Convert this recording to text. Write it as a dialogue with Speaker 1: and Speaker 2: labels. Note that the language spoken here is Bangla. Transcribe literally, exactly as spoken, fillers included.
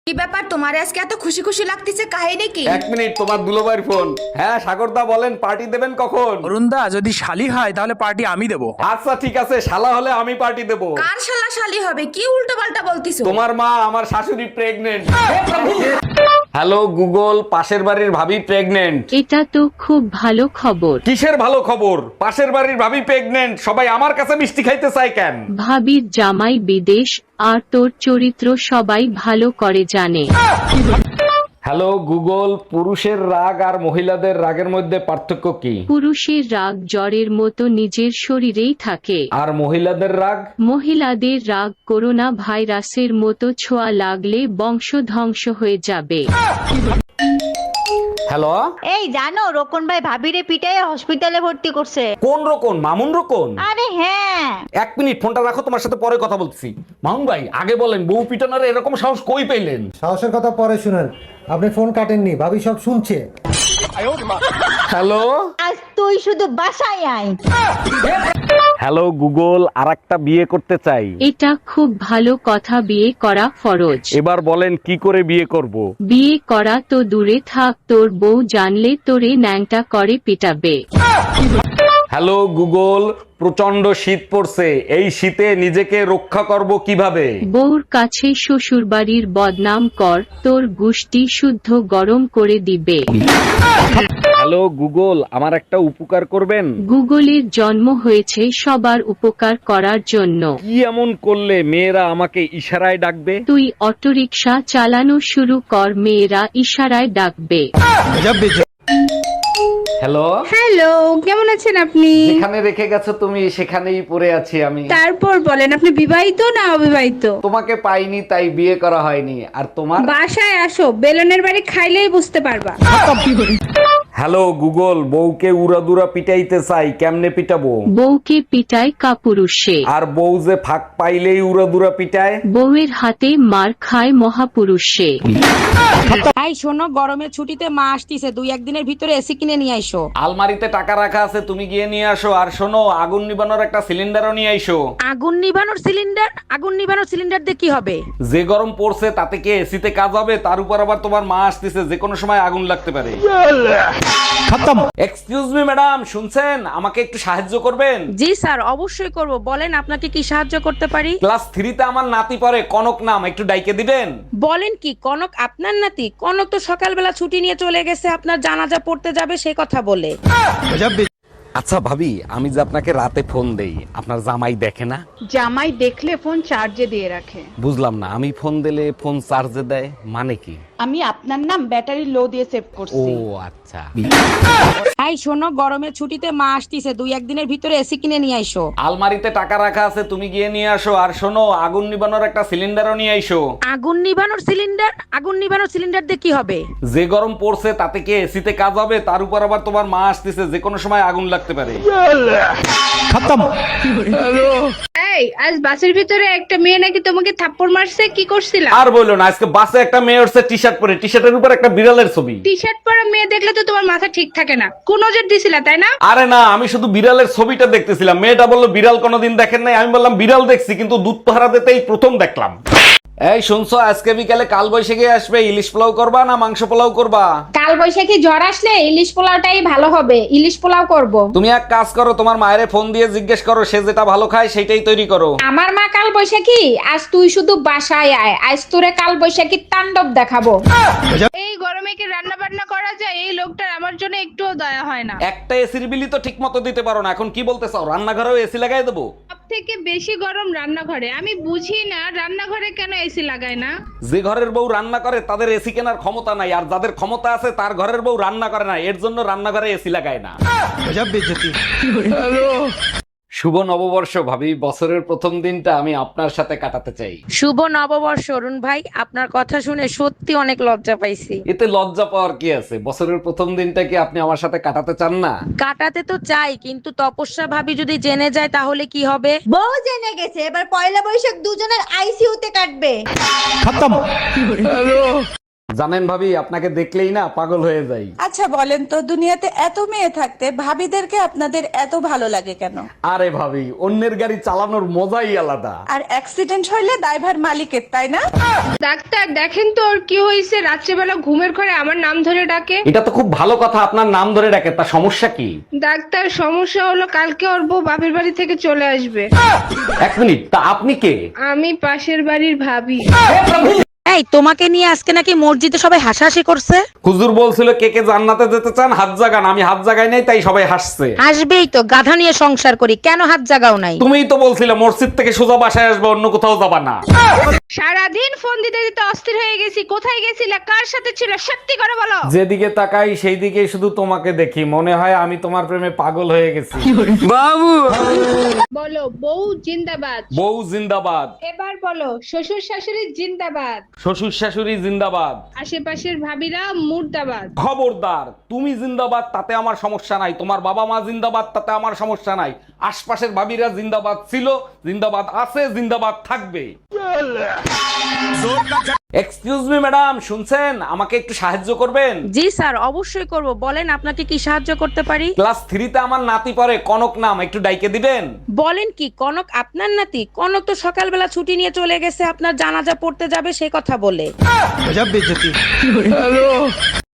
Speaker 1: কি ব্যাপার তোমার আজকে এত খুশি খুশি লাগতেছে, কাহিনী কি?
Speaker 2: এক মিনিট, তোমার দুলোবাইর ফোন। হ্যাঁ সাগরদা বলেন, পার্টি দেবেন কখন?
Speaker 3: অরুণদা যদি শালি হয় তাহলে পার্টি আমি দেবো।
Speaker 2: আচ্ছা ঠিক আছে, শালা হলে আমি পার্টি দেবো।
Speaker 1: কার শালা শালি হবে? কি উল্টো পাল্টা বলতিছো?
Speaker 2: তোমার মা আমার শাশুড়ি প্রেগনেন্ট। হ্যালো গুগল, পাশের বাড়ির ভাবি প্রেগনেন্ট।
Speaker 4: এটা তো খুব ভালো খবর।
Speaker 2: কিসের ভালো খবর? পাশের বাড়ির ভাবি প্রেগনেন্ট, সবাই আমার কাছে মিষ্টি খাইতে চায় কেন?
Speaker 4: ভাবির জামাই বিদেশ আর তোর চরিত্র সবাই ভালো করে জানে।
Speaker 2: হ্যালো গুগল, পুরুষের রাগ আর মহিলাদের রাগের মধ্যে পার্থক্য কি?
Speaker 4: পুরুষের রাগ জ্বরের মতো নিজের শরীরেই থাকে,
Speaker 2: আর মহিলাদের রাগ?
Speaker 4: মহিলাদের রাগ করোনা ভাইরাসের মতো ছোঁয়া লাগলে বংশ ধ্বংস হয়ে যাবে।
Speaker 2: হ্যালো,
Speaker 5: এই জানো রোকন ভাই ভাবিরে পিটাই হসপিটালে ভর্তি করছে।
Speaker 2: কোন রকম? মামুন রকম?
Speaker 5: আরে হ্যাঁ,
Speaker 2: এক মিনিট, ফোনটা রাখো, তোমার সাথে পরে কথা বলছি। মামুন ভাই আগে বলেন, বউ পিটানোর এরকম সাহস কই পেলেন?
Speaker 6: সাহসের কথা পরে শুনেন, আপনি ফোন কাটেননি, ভাবি সব শুনছে।
Speaker 2: হ্যালো
Speaker 5: আজ তুই শুধু বাসায় আয়।
Speaker 2: হ্যালো গুগল, আর একটা বিয়ে করতে চাই।
Speaker 4: এটা খুব ভালো কথা, বিয়ে করা ফরজ।
Speaker 2: এবার বলেন কি করে বিয়ে করব?
Speaker 4: বিয়ে করা তো দূরে থাক, তোর বউ জানলে তোরে ন্যাংটা করে পিটাবে।
Speaker 2: হ্যালো গুগল, প্রচন্ড শীত পড়ছে, এই শীতে নিজেকে রক্ষা করব কিভাবে?
Speaker 4: বউর কাছে শ্বশুরবাড়ির বদনাম কর, তোর গুষ্টি শুদ্ধ গরম করে দিবে।
Speaker 2: হ্যালো গুগল, আমার একটা উপকার করবেন?
Speaker 4: গুগলের জন্ম হয়েছে সবার উপকার করার জন্য।
Speaker 2: কি এমন করলে মেয়েরা আমাকে ইশারায় ডাকবে?
Speaker 4: তুই অটোরিকশা চালানো শুরু কর, মেয়েরা ইশারায় ডাকবে।
Speaker 2: হ্যালো,
Speaker 7: হ্যালো, কেমন আছেন আপনি?
Speaker 2: যেখানে রেখে গেছো তুমি সেখানেই পড়ে আছি আমি।
Speaker 7: তারপর বলেন, আপনি বিবাহিত না অবিবাহিত?
Speaker 2: তোমাকে পাইনি তাই বিয়ে করা হয়নি। আর তোমার?
Speaker 7: বাসায় আসো, বেলনের বাড়ি খাইলেই বুঝতে পারবা।
Speaker 2: হ্যালো গুগল, বউকে উড়াদুরা পিটাইতে চাই, কেমনে পিটাবো?
Speaker 4: বউকে পিটায় কাপুরুষে,
Speaker 2: আর বউ যে ফাঁক পাইলেই উড়াদুরা পিটায়।
Speaker 4: বউয়ের হাতে মার খায় মহাপুরুষে।
Speaker 8: এই শোনো, গরমের ছুটিতে মা আসতিছে, দুই একদিনের ভিতরে এসি কিনে নিয়ে আইসো।
Speaker 2: আলমারিতে টাকা রাখা আছে, তুমি গিয়ে নিয়ে আসো। আর শোনো, আগুন নিবানোর একটা সিলিন্ডারও নিয়ে আইসো।
Speaker 8: আগুন নিভানোর সিলিন্ডার? আগুন নিভানোর সিলিন্ডার দিয়ে কি হবে?
Speaker 2: যে গরম পড়ছে তাতে কি এসিতে কাজ হবে? তার উপর আবার তোমার মা আসতেছে, যে কোনো সময় আগুন লাগতে পারে। এক্সকিউজ মি ম্যাডাম, শুনছেন? আমাকে একটু সাহায্য করবেন?
Speaker 8: জি স্যার, অবশ্যই করব, বলেন আপনাকে কি সাহায্য করতে পারি।
Speaker 2: ক্লাস থ্রিতে আমার নাতি পড়ে, কনক নাম, একটু ডাইকে দিবেন?
Speaker 8: বলেন কি, কনক আপনার নাতি? কনক তো সকালবেলা ছুটি নিয়ে চলে গেছে আপনার জানাজা পড়তে যাবে সে কথা বলে।
Speaker 2: আচ্ছা ভাবি, আমি যে আপনাকে রাতে ফোন দেই, আপনার জামাই দেখে না?
Speaker 7: জামাই দেখলে ফোন চার্জে দিয়ে রাখে।
Speaker 2: বুঝলাম না, আমি ফোন দিলে ফোন চার্জে দেয় মানে কি?
Speaker 7: আমি আপনার নাম ব্যাটারি লো দিয়ে সেভ
Speaker 2: ও
Speaker 7: করছি।
Speaker 2: আচ্ছা।
Speaker 8: এই শোনো, গরমের ছুটিতে মা আসতিছে, দুই একদিনের ভিতরে এসি কিনে নিয়ে আইসো।
Speaker 2: আলমারিতে টাকা রাখা আছে, তুমি গিয়ে নিয়ে আসো। আর শোনো, আগুন নিবানোর একটা সিলিন্ডারও নিয়ে আইসো।
Speaker 8: আগুন নিভানোর সিলিন্ডার? আগুন নিভানোর সিলিন্ডার দিয়ে কি হবে?
Speaker 2: যে গরম পড়ছে তাতে কি এসিতে কাজ হবে? তার উপর আবার তোমার মা আসতেছে, যে কোনো সময় আগুন লাগতে পারে।
Speaker 7: এই, আজ বাসের ভিতরে একটা মেয়ে নাকি তোমাকে থাপ্পড় মারছে, কি করছিলা?
Speaker 2: আর বললো না, আজকে বাসে একটা মেয়ে উঠছে টি শার্ট পরে, টি শার্টের উপর একটা বিড়ালের ছবি।
Speaker 7: টি শার্ট পরা মেয়ে দেখলে তো তোমার মাথা ঠিক থাকে না, কোন নজর দিছিলা তাই না?
Speaker 2: আরে না, আমি শুধু বিড়ালের ছবিটা দেখতেছিলাম। মেয়েটা বললো বিড়াল কোনোদিন দেখেন নাই। আমি বললাম বিড়াল দেখছি, কিন্তু দুধ পাহারা দিতেই প্রথম দেখলাম। এই শুনছো, আজকে বিকালে কাল বৈশাখী আসবে, ইলিশ পোলাও করবা না মাংস পোলাও করবা?
Speaker 7: কাল বৈশাখী ঝড় আসলে ইলিশ পোলাওটাই ভালো হবে, ইলিশ পোলাও করব।
Speaker 2: তুমি এক কাজ করো, তোমার মায়ের ফোন দিয়ে জিজ্ঞেস করো, সে যেটা ভালো খায় সেটাই তৈরি করো।
Speaker 7: আমার মা কাল বৈশাখী, আজ তুই শুধু বাসায় আয়, আজ তোরে কাল বৈশাখীর তাণ্ডব দেখাবো। এই গরমে কি রান্না বান্না করা যায়? এই লোকটার আমার জন্য একটুও দয়া হয় না।
Speaker 2: একটা এসির বিলি তো ঠিক মতো দিতে পারো না, এখন কি বলতে চাও রান্নাঘরেও এসি লাগাই দেবো?
Speaker 7: সব থেকে বেশি গরম রান্নাঘরে। আমি বুঝি না রান্নাঘরে কেন এসি লাগায় না।
Speaker 2: যে ঘরের বউ রান্না করে তাদের এসি কেনার ক্ষমতা নাই, আর যাদের ক্ষমতা আছে তার ঘরের বউ রান্না করে না, এর জন্য রান্নাঘরে এসি লাগায় না। শুভ নববর্ষ ভাবি, বছরের প্রথম দিনটা আমি আপনার সাথে কাটাতে চাই।
Speaker 8: শুভ নববর্ষ অরুণ ভাই, আপনার কথা শুনে সত্যি অনেক লজ্জা পাইছি।
Speaker 2: এতে লজ্জা পাওয়ার কি আছে? বছরের প্রথম দিনটা কি আপনি আমার সাথে কাটাতে চান না?
Speaker 8: কাটাতে তো চাই, কিন্তু তপস্যা ভাবি যদি জেনে যায় তাহলে কি হবে?
Speaker 5: বউ জেনে গেছে, এবার পয়লা বৈশাখ দুজনের আইসিইউতে কাটবে।
Speaker 2: জানেন ভাবি, আপনাকে দেখলেই না পাগল হয়ে যাই।
Speaker 9: আচ্ছা বলেন তো, দুনিয়াতে এত মেয়ে থাকতে ভাবিদেরকে আপনাদের এত ভালো লাগে কেন?
Speaker 2: আরে ভাবি, অন্যের গাড়ি চালানোর মজাই আলাদা।
Speaker 9: আর অ্যাক্সিডেন্ট হইলে দায়ভার মালিকের, তাই না?
Speaker 7: ডাক্তার দেখেন তো ওর কি হয়েছে, রাত্রেবেলা ঘুমের ঘরে আমার নাম ধরে ডাকে।
Speaker 2: এটা তো খুব ভালো কথা, আপনার নাম ধরে ডাকে, তা সমস্যা কি?
Speaker 7: ডাক্তার সমস্যা হলো কালকে ওর বউ বাপের বাড়ি থেকে চলে আসবে।
Speaker 2: এক মিনিট, তা আপনি কে?
Speaker 7: আমি পাশের বাড়ির ভাবি।
Speaker 8: এই তোমাকে নিয়ে আজকে নাকি মসজিদে সবাই হাসাহাসি করছে।
Speaker 2: হুজুর বলছিল কে কে জান্নাতে যেতে চান হাত জাগান, আমি হাত জাগাই নাই, তাই সবাই হাসছে।
Speaker 8: আসবেই তো, গাধা নিয়ে সংসার করি, কেন হাত জাগাও নাই?
Speaker 2: তুমিই তো বলছিলে মসজিদ থেকে সোজা বাসায় আসবে, অন্য কোথাও যাবা না।
Speaker 7: সারাদিন ফোন দিতে দিতে অস্থির হয়ে গেছি, কোথায় গেছিলে, কার সাথে ছিল, সত্যি করে বলো।
Speaker 2: যেদিকে তাকাই সেই দিকে শুধু তোমাকে দেখি, মনে হয় আমি তোমার প্রেমে পাগল হয়ে গেছি।
Speaker 7: বলো বউ জিন্দাবাদ।
Speaker 2: বউ জিন্দাবাদ।
Speaker 7: এবার বলো শ্বশুর শাশুড়ি জিন্দাবাদ।
Speaker 2: শ্বশুর শাশুড়ি জিন্দাবাদ।
Speaker 7: আশেপাশের ভাবিরা মুর্দাবাদ।
Speaker 2: খবরদার, তুমি জিন্দাবাদ তাতে আমার সমস্যা নাই, তোমার বাবা মা জিন্দাবাদ তাতে আমার সমস্যা নাই, আশপাশের ভাবিরা জিন্দাবাদ ছিল, জিন্দাবাদ আছে, জিন্দাবাদ থাকবে। এক্সকিউজ মি ম্যাডাম, শুনছেন? আমাকে একটু সাহায্য করবেন?
Speaker 8: জি স্যার, অবশ্যই করব, বলেন আপনাকে কি সাহায্য করতে পারি?
Speaker 2: ক্লাস থ্রিতে আমার নাতি পড়ে, কনক নাম, একটু ডাইকে দিবেন?
Speaker 8: বলেন কি, কনক আপনার নাতি? কনক তো সকালবেলা ছুটি নিয়ে চলে গেছে আপনার জানাজা পড়তে যাবে সেই কথা বলে।